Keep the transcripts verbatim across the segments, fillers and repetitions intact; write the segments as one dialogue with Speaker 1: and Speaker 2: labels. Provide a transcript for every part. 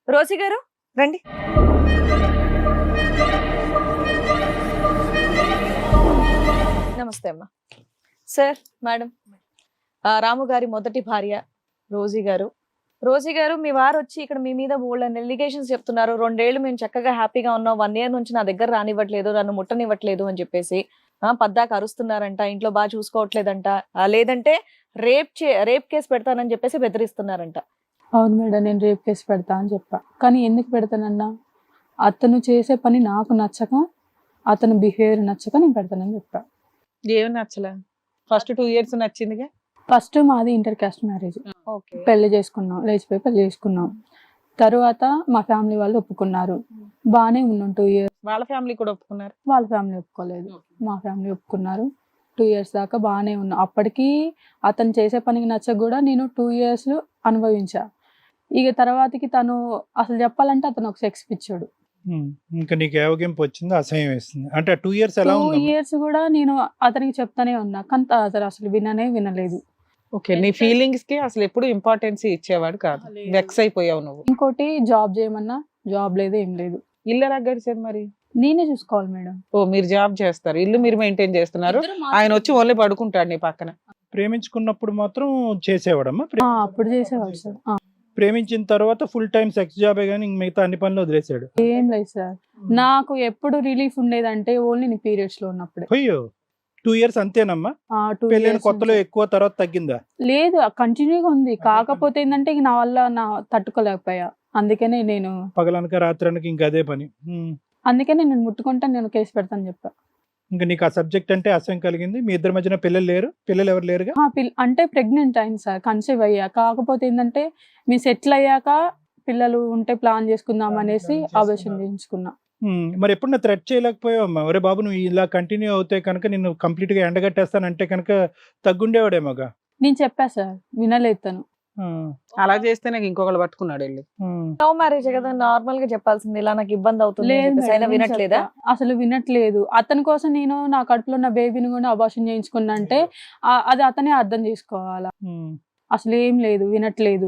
Speaker 1: Rosie గారు రండి. నమస్తే అమ్మా. సార్, మేడం, రాము గారి మొదటి భార్య రోజీ గారు. రోజీ గారు, మీ వారు వచ్చి ఇక్కడ మీ మీద బోల్డ్ ఎలిగేషన్స్ చెప్తున్నారు. రెండేళ్లు మేము చక్కగా హ్యాపీగా ఉన్నాం, వన్ ఇయర్ నుంచి నా దగ్గర రానివ్వట్లేదు, నన్ను ముట్టనివ్వట్లేదు అని చెప్పేసి ఆ పద్దాక అరుస్తున్నారంట, ఇంట్లో బాగా చూసుకోవట్లేదంట, లేదంటే రేప్ చే రేప్ కేసు పెడతానని చెప్పేసి బెదిరిస్తున్నారంట.
Speaker 2: అవును మేడం, నేను రేప్ కేసు పెడతా అని చెప్పా. కానీ ఎందుకు పెడతానన్నా, అతను చేసే పని నాకు నచ్చక, అతను బిహేవియర్ నచ్చక నేను పెడతానని చెప్పా.
Speaker 3: ఏమి నచ్చలే? ఫస్ట్ టూ ఇయర్స్ నచ్చిందిగా.
Speaker 2: ఫస్ట్ మాది ఇంటర్ కాస్ట్ మ్యారేజ్, పెళ్లి చేసుకున్నాం, లేచిపోయి పెళ్లి చేసుకున్నాం. తరువాత మా ఫ్యామిలీ వాళ్ళు ఒప్పుకున్నారు, బాగానే ఉన్నాం టూ ఇయర్స్.
Speaker 3: వాళ్ళ ఫ్యామిలీ కూడా ఒప్పుకున్నారు?
Speaker 2: వాళ్ళ ఫ్యామిలీ ఒప్పుకోలేదు, మా ఫ్యామిలీ ఒప్పుకున్నారు. టూ ఇయర్స్ దాకా బాగానే ఉన్నాం. అప్పటికి అతను చేసే పనికి నచ్చక కూడా నేను టూ ఇయర్స్ అనుభవించా. ఇక తర్వాతకి తను అసలు చెప్పాలంటే అతను ఒక సెక్స్ పిచ్చాడు.
Speaker 4: ఇంకా నీకు ఏవగింపు వచ్చింది, అసహ్యం వేస్తుంది అంటే టూ ఇయర్స్ ఎలా
Speaker 2: టూ
Speaker 4: ఉంది?
Speaker 2: ఇయర్స్ కూడా నేను అతనికి చెప్తానే ఉన్నా, కానీ అతను అసలు విననే వినలేదు.
Speaker 3: ఓకే, నీ ఫీలింగ్స్ కి అసలు ఎప్పుడు ఇంపార్టెన్స్ ఇచ్చేవాడు కాదు, వెక్స్ అయిపోయావు నువ్వు.
Speaker 2: ఇంకోటి, జాబ్ చేయమన్నా జాబ్ లేదు, ఏం లేదు.
Speaker 3: ఇల్లు ఎలా గడిచేది మరి?
Speaker 2: నేనే చూసుకోవాలి మేడం.
Speaker 3: ఓ, మీరు జాబ్ చేస్తారు, ఇల్లు మీరు మెయింటైన్ చేస్తున్నారు, ఆయన వచ్చి ఓన్లీ పడుకుంటాడు నీ పక్కన.
Speaker 4: ప్రేమించుకున్నప్పుడు మాత్రం చేసేవాడమ్మా?
Speaker 2: ఆ, అప్పుడు చేసేవాడు సార్. ఆ,
Speaker 4: ప్రేమించిన తర్వాత ఫుల్ టైం సెక్స్ జాబే కానీ మిగతా అన్ని పనులు వదిలేసాడు?
Speaker 2: ఏం లేదు సార్, నాకు ఎప్పుడు రిలీఫ్ ఉండేదంటే ఓన్లీ నీ పీరియడ్స్ లో ఉన్నప్పుడే.
Speaker 4: అయ్యో, టూ ఇయర్స్ అంతేనమ్మా?
Speaker 2: ఆ, two
Speaker 4: పెళ్ళైన
Speaker 2: years
Speaker 4: కొత్తలో
Speaker 2: నుంచి.
Speaker 4: ఎక్కువ, తర్వాత తగ్గిందా?
Speaker 2: లేదు, కంటిన్యూగా ఉంది. కాకపోతే ఏంటంటే ఇక నా వల్ల నా తట్టుకోలేకపోయా, అందుకనే నేను
Speaker 4: పగలనక రాత్రనక ఇంకా అదే పని. ఉమ్.
Speaker 2: అందుకనే నేను ముట్టుకుంటా, నేను కేసు పెడతాను చెప్పా.
Speaker 4: ఇంకా నీకు ఆ సబ్జెక్ట్ అంటే అసహ్యం కలిగింది. మీ ఇద్దరి మధ్యన పిల్లలు లేరు? పిల్లలు ఎవరు లేరుగా?
Speaker 2: ఆ, పిల్ల అంటే ప్రెగ్నెంట్ అయింది సార్, కన్సీవ్ అయ్యా. కాకపోతే ఏంటంటే మీ సెటిల్ అయ్యాక పిల్లలు ఉంటే ప్లాన్ చేసుకుందాం అనేసి అబార్షన్ చేయించుకున్నా.
Speaker 4: ఉమ్, మరి ఎప్పుడు నా థ్రెట్ చేయలేకపోయావమ్మా? ఒరే బాబు, నువ్వు ఇలా కంటిన్యూ అవుతే కనుక నిన్ను కంప్లీట్ గా ఎండగట్టేస్తానంటే కనుక తగ్గుండేవాడేమోగా.
Speaker 2: నేను చెప్పా సార్, వినలేదు తను.
Speaker 4: ఆ,
Speaker 3: అలా చేస్తే నాకు ఇంకొకళ్ళు పట్టుకున్నాడు వెళ్ళి.
Speaker 4: ఉమ్.
Speaker 1: లవ్ మ్యారేజ్ కదా, నార్మల్ గా చెప్పాల్సింది, ఇలా నాకు ఇబ్బంది అవుతుంది అని
Speaker 2: లేదు
Speaker 1: చెప్పేసి. అయినా
Speaker 2: మేడం, నేను
Speaker 1: వినట్లేదా?
Speaker 2: చెప్పా. అసలు వినట్లేదు. అతని కోసం నేను నా కడుపులో ఉన్న బేబీని కూడా అబార్షన్ చేయించుకున్నా అంటే ఆ- అది అతనే అర్థం చేసుకోవాలా.
Speaker 4: ఉమ్.
Speaker 2: అసలు ఏం లేదు, వినట్లేదు.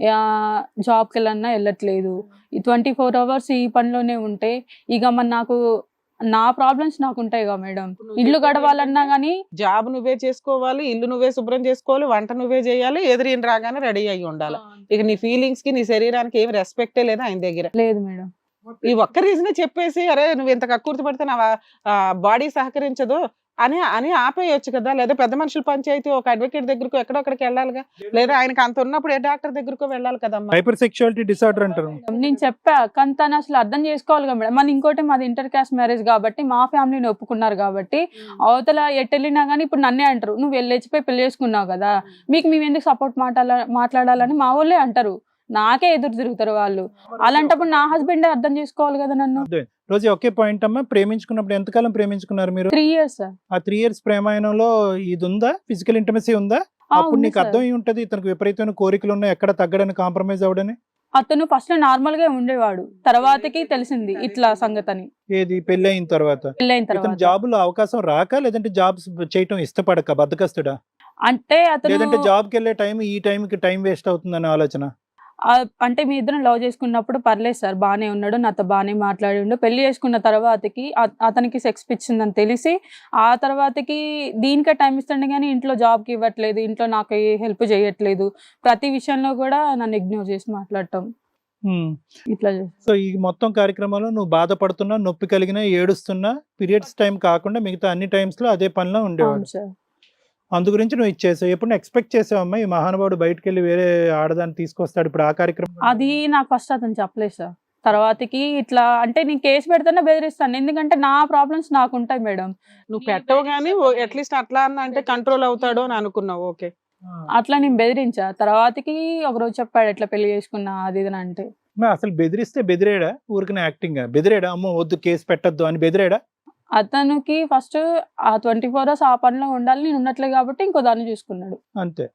Speaker 2: జాబ్కి వెళ్ళన్నా వెళ్ళట్లేదు. ఈ ట్వంటీ ఫోర్ అవర్స్ ఈ పనిలోనే ఉంటే ఇక మరి నాకు నా ప్రాబ్లమ్స్ నాకు ఉంటాయి కదా మేడం. ఇల్లు గడవాలన్నా గానీ
Speaker 3: జాబ్ నువ్వే చేసుకోవాలి, ఇల్లు నువ్వే శుభ్రం చేసుకోవాలి, వంట నువ్వే చేయాలి, ఎదురు రాగానే రెడీ అయ్యి ఉండాలి. ఇక నీ ఫీలింగ్స్ కి నీ శరీరానికి ఏం రెస్పెక్టే లేదు ఆయన దగ్గర.
Speaker 2: లేదు మేడం.
Speaker 3: ఈ ఒక్క రీజన్ చెప్పేసి అరే నువ్వు ఇంత కక్కుర్తి పడితే నా బాడీ సహకరించదు అని అని ఆపేయొచ్చు కదా. లేదా పెద్ద మనుషుల పంచాయతీ ఒక అడ్వకేట్ దగ్గరకు ఎక్కడొక్కడికి వెళ్ళాలిగా, లేదా ఆయనకి అంత ఉన్నప్పుడు ఏ డాక్టర్ దగ్గరకు వెళ్ళాలి కదమ్మా.
Speaker 4: హైపర్ సెక్షువాలిటీ డిసార్డర్ అంటారు.
Speaker 2: నేను చెప్పా, కానీ తను అసలు అర్థం చేసుకోవాలి కదా మేడం. మన ఇంకోటి మాది ఇంటర్ కాస్ట్ మ్యారేజ్ కాబట్టి మా ఫ్యామిలీని ఒప్పుకున్నారు కాబట్టి అవతల ఎట్టెళ్ళినా కానీ ఇప్పుడు నన్నే అంటారు, నువ్వు వెళ్ళిపోయి పెళ్లి చేసుకున్నావు కదా, మీకు మేము ఎందుకు సపోర్ట్ మాట్లాడాల మాట్లాడాలని మా వాళ్ళే అంటారు. నాకే ఎదురు తిరుగుతారు వాళ్ళు. అలాంటప్పుడు నా హస్బెండే అర్థం చేసుకోవాలి కదా నన్ను.
Speaker 4: రోజు ఒకే పాయింట్ అమ్మా, ప్రేమించుకున్నప్పుడు ఎంతకాలం ప్రేమించుకున్నారు మీరు?
Speaker 2: త్రీ ఇయర్స్
Speaker 4: ఆ త్రీ ఇయర్స్ ప్రేమాయణంలో ఇది ఉందా, ఫిజికల్ ఇంటిమసీ ఉందా? అప్పుడు నీకు అర్థం అయి ఉంటది ఇతనికి విపరీతమైన కోరికలు ఉన్నాయి, ఎక్కడ తగ్గడని, కాంప్రమైజ్ అవడని.
Speaker 2: అతను ఫస్ట్ నార్మల్ గా ఉండేవాడు, తర్వాతకి తెలిసింది ఇట్లా సంగతని.
Speaker 4: ఏది పెళ్లి అయిన తర్వాత?
Speaker 2: పెళ్ళైన
Speaker 4: ఇతను
Speaker 2: తర్వాత
Speaker 4: జాబులో అవకాశం రాక, లేదంటే జాబ్స్ చేయటం ఇష్టపడక, బద్దకస్తుడా?
Speaker 2: అంటే
Speaker 4: లేదంటే
Speaker 2: అతను
Speaker 4: జాబ్కి వెళ్ళే టైం ఈ టైంకి టైం వేస్ట్ అవుతుందనే ఆలోచన?
Speaker 2: ఆ, అంటే మీ ఇద్దరం లవ్ చేసుకున్నప్పుడు పర్లేదు సార్, బాగానే ఉన్నాడు, నాతో బాగానే మాట్లాడిండు. పెళ్లి చేసుకున్న తర్వాతకి అ- అతనికి సెక్స్ పిచ్చిందని తెలిసి ఆ తర్వాతకి దీనికే టైం ఇస్తుండే కానీ ఇంట్లో జాబ్కి ఇవ్వట్లేదు, ఇంట్లో నాకు ఏ హెల్ప్ చేయట్లేదు, ప్రతి విషయంలో కూడా నన్ను ఇగ్నోర్ చేసి మాట్లాడటం
Speaker 4: హ్మ్.
Speaker 2: ఇట్లా చేసి.
Speaker 4: సో ఈ మొత్తం కార్యక్రమంలో నువ్వు బాధపడుతున్నా, నొప్పి కలిగినా, ఏడుస్తున్నా, పీరియడ్స్ టైం కాకుండా మిగతా అన్ని టైమ్స్ లో అదే పనిలో ఉండేవాడు.
Speaker 2: అవును సార్.
Speaker 4: అందు గురించి నువ్వు ఇచ్చేసావు. ఎప్పుడు ఎక్స్పెక్ట్ చేసావమ్మా ఈ మహానుభావుడు బయటకు వెళ్ళి వేరే ఆడదాన్ని తీసుకొస్తాడు ఇప్పుడు ఆ కార్యక్రమం?
Speaker 2: అది నాకు ఫస్ట్ అతను చెప్పలేదు సార్. తర్వాతకి ఇట్లా అంటే నేను కేసు పెడితేనే బెదిరిస్తాను, ఎందుకంటే నా ప్రాబ్లమ్స్ నాకు ఉంటాయి మేడం.
Speaker 3: నువ్వు పెట్టవు కానీ అట్లీస్ట్ అట్లా అన్న అంటే కంట్రోల్ అవుతాడు అని అనుకున్నావు. ఓకే,
Speaker 2: అట్లా నేను బెదిరించా. తర్వాతకి ఒకరోజు చెప్పాడు ఎట్లా పెళ్లి చేసుకున్నా అది ఇది అని. అంటే
Speaker 4: మా అసలు బెదిరిస్తే బెదిరేడా? ఊరికనే యాక్టింగ్ బెదిరేడా? అమ్మో వద్దు కేసు పెట్టద్దు అని బెదిరేడా?
Speaker 2: అతనికి ఫస్ట్ ఆ ట్వంటీ ఫోర్ అవర్స్ ఆ పనిలో ఉండాలి, నేను ఉన్నట్లే కాబట్టి ఇంకో దాన్ని చూసుకున్నాడు
Speaker 4: అంతే.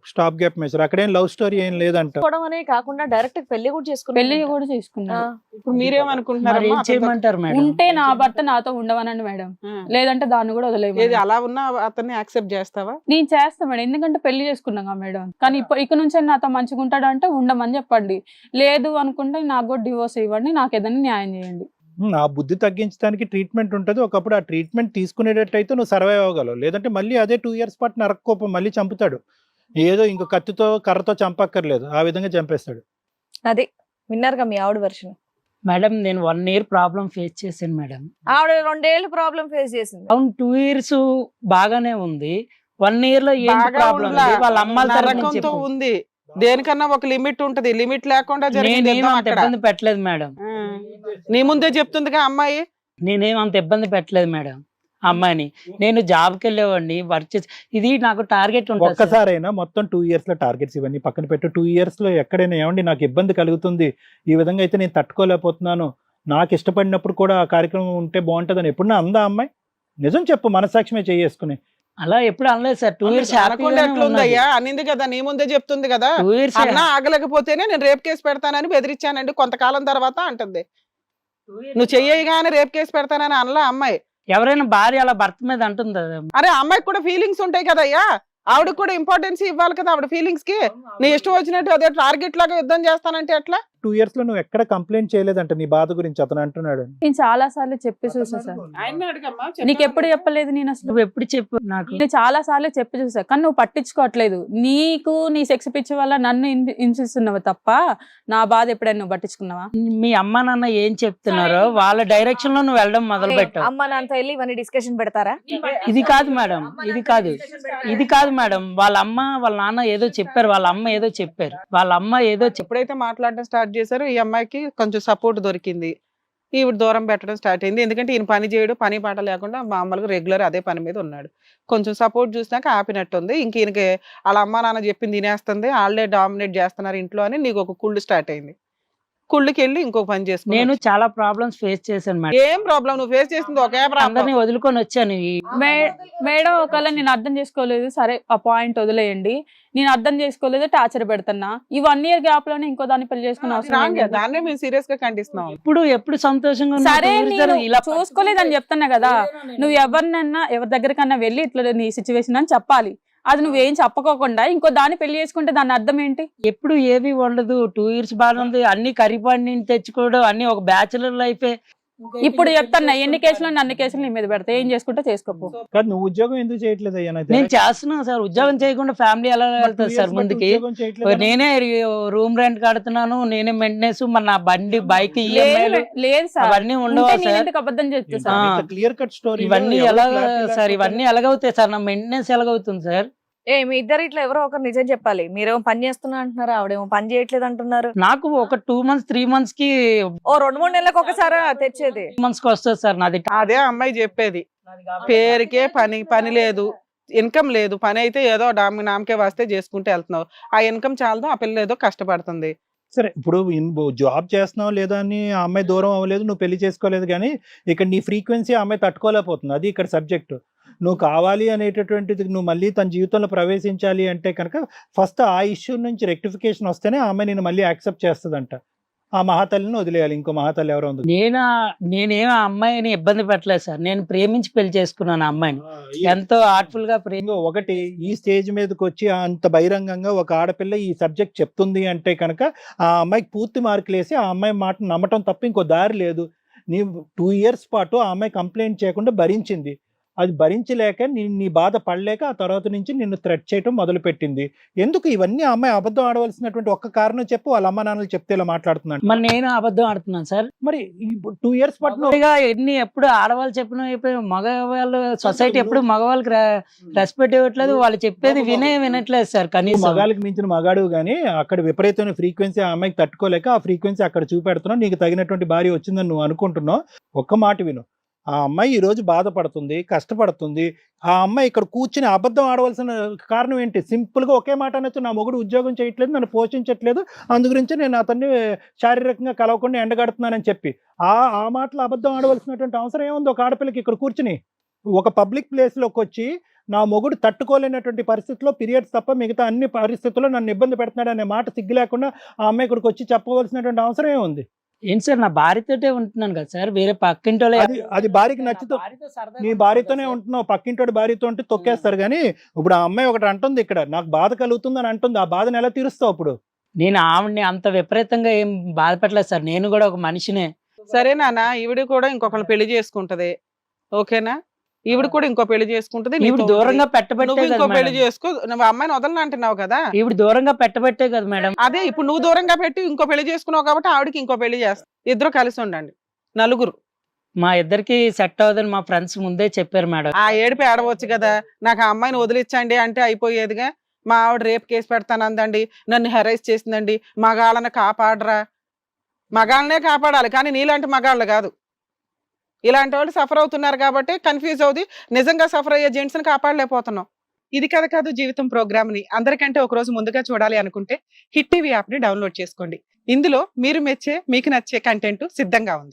Speaker 4: స్టాప్ గ్యాప్ మెజర్, అక్కడేం లవ్ స్టోరీ ఏం లేదంట.
Speaker 1: చేసుకోవడం అనే కాకుండా డైరెక్ట్ పెళ్లి కూడా చేసుకుని
Speaker 2: పెళ్లి కూడా చేసుకున్నా.
Speaker 3: ఇప్పుడు మీరేమనుకుంటున్నారు
Speaker 5: మరి ఏం చేయమంటారు మేడం?
Speaker 2: ఉంటే నా భర్త నాతో ఉండవనండి మేడం, లేదంటే దాన్ని కూడా వదిలేదు.
Speaker 3: ఏది అలా ఉన్నా అతన్ని యాక్సెప్ట్ చేస్తావా?
Speaker 2: నేను చేస్తా మేడం, ఎందుకంటే పెళ్లి చేసుకున్నాగా మేడం. కానీ ఇప్పుడు ఇక నుంచి నాతో మంచిగా ఉంటాడు అంటే ఉండమని చెప్పండి, లేదు అనుకుంటే నాకు కూడా డివోర్స్ ఇవ్వండి, నాకు ఏదైనా న్యాయం చేయండి.
Speaker 4: ఉమ్, ఆ బుద్ధి తగ్గించడానికి ట్రీట్మెంట్ ఉంటుంది. ఒకప్పుడు ఆ ట్రీట్మెంట్ తీసుకునేటట్టయితే నువ్వు సర్వైవ్ అవ్వగలవు. లేదంటే మళ్ళీ అదే టూ ఇయర్స్ పాటు నరక్కోపం మళ్ళీ చంపుతాడు. ఏదో ఇంకో కత్తితో కర్రతో చంపక్కర్లేదు, ఆ విధంగా చంపేస్తాడు.
Speaker 1: అదే విన్నారుగా మీ ఆవిడ వర్షన్.
Speaker 5: మేడం నేను వన్ ఇయర్ ప్రాబ్లం ఫేస్ చేశాను మేడం.
Speaker 1: ఆవిడ రెండేళ్ళు ప్రాబ్లం ఫేస్ చేసింది.
Speaker 5: అవును, టూ ఇయర్స్ బాగానే ఉంది, వన్ ఇయర్ లో ఏం
Speaker 3: బాగా
Speaker 5: ప్రాబ్లం
Speaker 3: ఉండ్లా.
Speaker 5: వాళ్ళ అమ్మాల తరఫున
Speaker 3: నరకంతో
Speaker 5: చెప్పు.
Speaker 3: ఉంది. దేనికన్నా ఒక లిమిట్ ఉంటది, లిమిట్ లేకుండా జరిగింది
Speaker 5: నేనేం
Speaker 3: యుద్ధం
Speaker 5: అంత
Speaker 3: అక్కడ.
Speaker 5: ఇబ్బంది పెట్టలేదు మేడం.
Speaker 3: ఆ. నీ ముందే చెప్తుందిగా అమ్మాయి.
Speaker 5: నేనేం అంత ఇబ్బంది పెట్టలేదు మేడం ఆ అమ్మాయిని. నేను జాబ్కి వెళ్ళేవాడిని, వర్క్ చేసి, ఇది నాకు టార్గెట్ ఉంటుంది సార్.
Speaker 4: ఒక్కసారైనా మొత్తం టూ ఇయర్స్ లో టార్గెట్స్ ఇవన్నీ పక్కన పెట్టు. టూ ఇయర్స్ లో ఎక్కడైనా ఏమండి నాకు ఇబ్బంది కలుగుతుంది, ఈ విధంగా అయితే నేను తట్టుకోలేకపోతున్నాను, నాకు ఇష్టపడినప్పుడు కూడా ఆ కార్యక్రమం ఉంటే బాగుంటుందని ఎప్పుడన్నా అందా అమ్మాయి? నిజం చెప్పు, మనసాక్షిమే చేసుకుని.
Speaker 5: అలా ఎప్పుడు అనలేదు సార్. టూ ఇయర్స్
Speaker 3: అనకుండా ఎట్లుందయ్యా, అనింది కదా, నీ ముందే చెప్తుంది కదా.
Speaker 5: టూ ఇయర్స్
Speaker 3: అన్నా ఆగలేకపోతేనే నేను రేప్ కేసు పెడతానని బెదిరించానండి కొంతకాలం తర్వాత అంటుంది. నువ్వు చెయ్యగానే రేప్ కేసు పెడతానని అనలా అమ్మాయి.
Speaker 5: ఎవరైనా భార్య అలా భర్త మీద అంటుంది.
Speaker 3: అరే అమ్మాయికి కూడా ఫీలింగ్స్ ఉంటాయి కదయ్యా, ఆవిడకి కూడా ఇంపార్టెన్స్ ఇవ్వాలి కదా ఆవిడ ఫీలింగ్స్ కి. నీ ఇష్టం వచ్చినట్టు అదే టార్గెట్ లాగా యుద్ధం చేస్తానంటే ఎట్లా?
Speaker 4: టూ ఇయర్స్ లో నువ్వు ఎక్కడ కంప్లైంట్ చేయలేదంట నీ బాధ గురించి అతను అంటున్నాడు.
Speaker 2: నేను చాలా సార్లు చెప్పి చూసా సార్. నీకు ఎప్పుడు చెప్పలేదు నేను అసలు?
Speaker 5: నువ్వు ఎప్పుడు చెప్పు నాకు.
Speaker 2: నేను చాలా సార్లు చెప్పి చూసా, కానీ నువ్వు పట్టించుకోవట్లేదు. నీకు నీ సెక్స్ పిచ్చి వల్ల నన్ను హింసి- హింసిస్తున్నావు తప్ప నా బాధ ఎప్పుడైనా నువ్వు పట్టించుకున్నావా?
Speaker 5: మీ అమ్మ నాన్న ఏం చెప్తున్నారో వాళ్ళ డైరెక్షన్ లో నువ్వు వెళ్ళడం మొదలు పెట్టావు.
Speaker 1: అమ్మ నాన్నతో వెళ్ళి ఇవన్నీ డిస్కషన్ పెడతారా?
Speaker 5: ఇది కాదు మేడం, ఇది కాదు, ఇది కాదు మేడం. వాళ్ళ అమ్మ వాళ్ళ నాన్న ఏదో చెప్పారు, వాళ్ళ అమ్మ ఏదో చెప్పారు, వాళ్ళ అమ్మ ఏదో చెప్పారు.
Speaker 3: ఎప్పుడైతే మాట్లాడడం స్టార్ట్ చేశారో ఈ అమ్మాయికి కొంచెం సపోర్ట్ దొరికింది. ఈవిడ దూరం పెట్టడం స్టార్ట్ అయింది. ఎందుకంటే ఈయన పని చేయడు, పని పాట లేకుండా మామూలుగా రెగ్యులర్ అదే పని మీద ఉన్నాడు. కొంచెం సపోర్ట్ చూసినాక ఆపినట్టుంది. ఇంక ఈయనకి వాళ్ళ అమ్మ నాన్న చెప్పింది తినేస్తుంది, వాళ్ళే డామినేట్ చేస్తున్నారు ఇంట్లో అని నీకు ఒక కుళ్ళు స్టార్ట్ అయింది. కుళ్ళకి వెళ్ళి ఇంకో పని చేసుకో.
Speaker 5: నేను చాలా ప్రాబ్లమ్స్ ఫేస్ చేశాను మేడం.
Speaker 3: ఏం ప్రాబ్లం నువ్వు ఫేస్ చేసింది ఒకే ప్రాబ్లం.
Speaker 5: అందరినీ వదులుకొని వచ్చాను. ఈ-
Speaker 2: మే- మేడం ఒకవేళ నేను అర్థం చేసుకోలేదు, సరే ఆ పాయింట్ వదిలేయండి. నేను అర్థం చేసుకోలేదు, టార్చర్ పెడుతున్నా. ఈ వన్ ఇయర్ గ్యాప్ లోనే ఇంకో దాన్ని పెళ్లి చేసుకున్న అవసరం ఏం లేదు.
Speaker 3: దాన్నే మేము సీరియస్ గా ఖండిస్తున్నాం.
Speaker 5: ఎప్పుడు ఎప్పుడు సంతోషంగా ఉన్నావు?
Speaker 2: సరే
Speaker 5: two years
Speaker 2: నేను
Speaker 5: ఇలా
Speaker 2: చూసుకోలేదని చెప్తున్నా కదా, నువ్వు ఎవరినన్నా ఎవరి దగ్గరకన్నా వెళ్ళి ఇట్లా నీ సిచ్యువేషన్ అని చెప్పాలి. అది నువ్వేం చెప్పకోకుండా ఇంకో దాన్ని పెళ్లి చేసుకుంటే దాని అర్థం ఏంటి?
Speaker 5: ఎప్పుడు ఏవి ఉండదు. టూ ఇయర్స్ బాగుంది, అన్ని కరిపాడిని తెచ్చుకోవడం, అన్ని ఒక బ్యాచులర్ లైఫే.
Speaker 2: ఇప్పుడు చెప్తాను, ఎన్ని కేసులు అన్ని కేసులు నీ మీద పెడతా, ఏం చేసుకుంటే చేసుకోపో.
Speaker 4: కాదు నువ్వు ఉద్యోగం ఎందుకు చేయట్లేదు అయ్యా? నాకు
Speaker 5: నేను చేస్తున్నాను సార్. ఉద్యోగం చేయకుండా ఫ్యామిలీ ఎలా
Speaker 4: మరి two
Speaker 5: వెళ్తుంది
Speaker 4: years
Speaker 5: సార్
Speaker 4: బట్టి
Speaker 5: ముందుకి?
Speaker 4: ఉద్యోగం చేయట్లేదా?
Speaker 5: నేనే రూమ్ రెంట్ కడుతున్నాను, నేనే మెయింటెనెన్స్, మన నా బండి బైక్ ఈఎంఐలు
Speaker 2: లేదు లేదు సార్,
Speaker 5: అవన్నీ ఉండవా
Speaker 2: ఉంటే నేను
Speaker 5: సార్?
Speaker 2: ఎందుకు అబద్ధం చెప్తా
Speaker 5: ఆ.
Speaker 2: సార్?
Speaker 4: క్లియర్ కట్ స్టోరీ
Speaker 5: ఇవన్నీ ఎలా సార్? ఇవన్నీ ఎలాగవుతాయి సార్? నా మెయింటెనెన్స్ ఎలాగవుతుంది సార్?
Speaker 1: ఏ మీ ఇద్దరు ఇట్లా ఎవరో ఒకరు నిజం చెప్పాలి. మీరేమో పని చేస్తున్నా అంటున్నారు, ఆవిడేమో పని చేయట్లేదు అంటున్నారు.
Speaker 5: నాకు ఒక టూ మంత్స్ త్రీ మంత్స్ కి
Speaker 1: ఓ రెండు మూడు నెలలకు ఒకసారి తెచ్చేది.
Speaker 5: మంత్స్ కి వస్తుంది సార్ నాది.
Speaker 3: అదే అమ్మాయి చెప్పేది, పేరుకే పని పని లేదు, ఇన్కమ్ లేదు. పని అయితే ఏదో డామి నామకే వస్తే చేసుకుంటే వెళ్తున్నావు. ఆ ఇన్కమ్ చాలదు, ఆ పిల్ల ఏదో కష్టపడుతుంది.
Speaker 4: సరే ఇప్పుడు జాబ్ చేస్తున్నావు లేదా అని ఆ అమ్మాయి దూరం అవ్వలేదు, నువ్వు పెళ్లి చేసుకోలేదు, కానీ ఇక్కడ నీ ఫ్రీక్వెన్సీ ఆ అమ్మాయి తట్టుకోలేకపోతుంది. అది ఇక్కడ సబ్జెక్టు. నువ్వు కావాలి అనేటటువంటిది నువ్వు మళ్ళీ తన జీవితంలో ప్రవేశించాలి అంటే కనుక ఫస్ట్ ఆ ఇష్యూ నుంచి రెక్టిఫికేషన్ వస్తేనే ఆ అమ్మాయి నేను మళ్ళీ యాక్సెప్ట్ చేస్తుందంట. ఆ మహాతల్లిని వదిలేయాలి, ఇంకో మహాతల్లి ఎవరో ఉంది.
Speaker 5: నేను నేనేం ఆ అమ్మాయిని ఇబ్బంది పెట్టలేదు సార్. నేను ప్రేమించి పెళ్లి చేసుకున్నాను ఆ అమ్మాయిని, ఎంతో ఆర్ట్ఫుల్ గా ప్రేమ.
Speaker 4: ఇంకో ఒకటి, ఈ స్టేజ్ మీదకి వచ్చి అంత బహిరంగంగా ఒక ఆడపిల్ల ఈ సబ్జెక్ట్ చెప్తుంది అంటే కనుక ఆ అమ్మాయికి పూర్తి మార్కులు వేసి ఆ అమ్మాయి మాట నమ్మటం తప్ప ఇంకో దారి లేదు. నీ టూ ఇయర్స్ పాటు ఆ అమ్మాయి కంప్లైంట్ చేయకుండా భరించింది. అది భరించలేక నీ నీ బాధ పడలేక ఆ తర్వాత నుంచి నిన్ను థ్రెట్ చేయడం మొదలు పెట్టింది. ఎందుకు ఇవన్నీ ఆ అమ్మాయి అబద్ధం ఆడవలసినటువంటి ఒక్క కారణం చెప్పు. వాళ్ళ అమ్మ నాన్నలు చెప్తే ఇలా మాట్లాడుతున్నాను.
Speaker 5: మరి నేను అబద్ధం ఆడుతున్నాను సార్.
Speaker 4: మరి టూ ఇయర్స్ పాటు నువ్వు-
Speaker 5: మగవాడిగా ఎన్ని ఎప్పుడు ఆడవాళ్ళు చెప్పిన మగవాళ్ళు సొసైటీ ఎప్పుడు మగవాళ్ళకి రెస్పెక్ట్ ఇవ్వట్లేదు. వాళ్ళు చెప్పేది వినే వినట్లేదు సార్.
Speaker 4: నువ్వు
Speaker 5: కనీసం
Speaker 4: మగాళ్ళకి మించిన మగాడు కానీ అక్కడ విపరీతమైన ఫ్రీక్వెన్సీ ఆ అమ్మాయికి తట్టుకోలేక ఆ ఫ్రీక్వెన్సీ అక్కడ చూపెడుతున్నావు. నీకు తగినటువంటి భార్య వచ్చిందని నువ్వు అనుకుంటున్నావు. ఒక్క మాట విను, ఆ అమ్మాయి ఈ రోజు బాధపడుతుంది, కష్టపడుతుంది. ఆ అమ్మాయి ఇక్కడ కూర్చుని అబద్ధం ఆడవలసిన కారణం ఏంటి? సింపుల్ గా ఒకే మాట అనొచ్చు, నా మొగుడు ఉద్యోగం చేయట్లేదు, నన్ను పోషించట్లేదు, అందు గురించి నేను అతన్ని శారీరకంగా కలవకుండా ఎండగడుతున్నానని చెప్పి ఆ ఆ మాటలు అబద్ధం ఆడవలసినటువంటి అవసరం ఏముంది ఒక ఆడపిల్లకి ఇక్కడ కూర్చుని? ఒక పబ్లిక్ ప్లేస్ లోకి వచ్చి నా మొగుడు తట్టుకోలేనటువంటి పరిస్థితిలో పీరియడ్స్ తప్ప మిగతా అన్ని పరిస్థితుల్లో నన్ను ఇబ్బంది పెడుతున్నాడు అనే మాట సిగ్గు లేకుండా ఆ అమ్మాయి ఇక్కడికి వచ్చి చెప్పవలసినటువంటి అవసరం ఏముంది?
Speaker 5: ఏంటి సార్, నా భార్యతోటే ఉంటున్నాను కదా సార్, వేరే పక్కింటి వాళ్ళే-
Speaker 4: అది అది భార్యకి నచ్చితే
Speaker 5: నా భార్యతో సరదాగా
Speaker 4: నీ
Speaker 5: ఉంటాను
Speaker 4: భార్యతోనే
Speaker 5: కదా సార్.
Speaker 4: ఉంటున్నావు, పక్కింటోడి భార్యతో ఉంటే తొక్కేస్తారు. కానీ ఇప్పుడు ఆ అమ్మాయి ఒకటి అంటుంది, ఇక్కడ నాకు బాధ కలుగుతుంది అని అంటుంది. ఆ బాధను ఎలా తీరుస్తావు అప్పుడు?
Speaker 5: నేను ఆవిడని అంత విపరీతంగా ఏం బాధపెట్టలేదు సార్, నేను కూడా ఒక మనిషినే.
Speaker 3: సరే నాన్న, ఈవిడ కూడా ఇంకొకరిని పెళ్లి చేసుకుంటది, ఓకేనా? ఈవిడ కూడా ఇంకో పెళ్లి చేసుకుంటది,
Speaker 5: ఈవిడ
Speaker 3: నీతో
Speaker 5: దూరంగా
Speaker 3: ఉంటుంది.
Speaker 5: పెట్టబట్టే
Speaker 3: నువ్వు
Speaker 5: కదా
Speaker 3: ఇంకో పెళ్లి
Speaker 5: మేడం.
Speaker 3: చేసుకో, నువ్వు అమ్మాయిని వదలని అంటున్నావు కదా.
Speaker 5: ఈవిడ దూరంగా పెట్టబట్టే కదా మేడం.
Speaker 3: అదే ఇప్పుడు నువ్వు దూరంగా పెట్టి ఇంకో పెళ్లి చేసుకున్నావు కాబట్టి ఆవిడకి ఇంకో పెళ్లి చేస్తా, ఇద్దరు కలిసి ఉండండి నలుగురు.
Speaker 5: మా ఇద్దరికి సెట్ అవ్వదని మా ఫ్రెండ్స్ ముందే చెప్పారు మేడం.
Speaker 3: ఆ ఏడుపు ఏడవచ్చు కదా, నాకు ఆ అమ్మాయిని వదిలించండి అంటే అయిపోయేదిగా. మా ఆవిడ రేపు కేసు పెడతానందండి, నన్ను హెరైజ్ చేసిందండి, మగాళ్ళని కాపాడరా. మగాళ్ళనే కాపాడాలి కానీ నీలాంటి మగాళ్ళు కాదు. ఇలాంటి వాళ్ళు సఫర్ అవుతున్నారు కాబట్టి కన్ఫ్యూజ్ అవుతుంది. నిజంగా సఫర్ అయ్యే జెంట్స్ని కాపాడలేకపోతున్నాం. ఇది కథ కాదు జీవితం ప్రోగ్రామ్ని అందరికంటే ఒక రోజు ముందుగా చూడాలి అనుకుంటే హిట్ టీవీ యాప్ని డౌన్లోడ్ చేసుకోండి. ఇందులో మీరు మెచ్చే మీకు నచ్చే కంటెంట్ సిద్ధంగా ఉంది.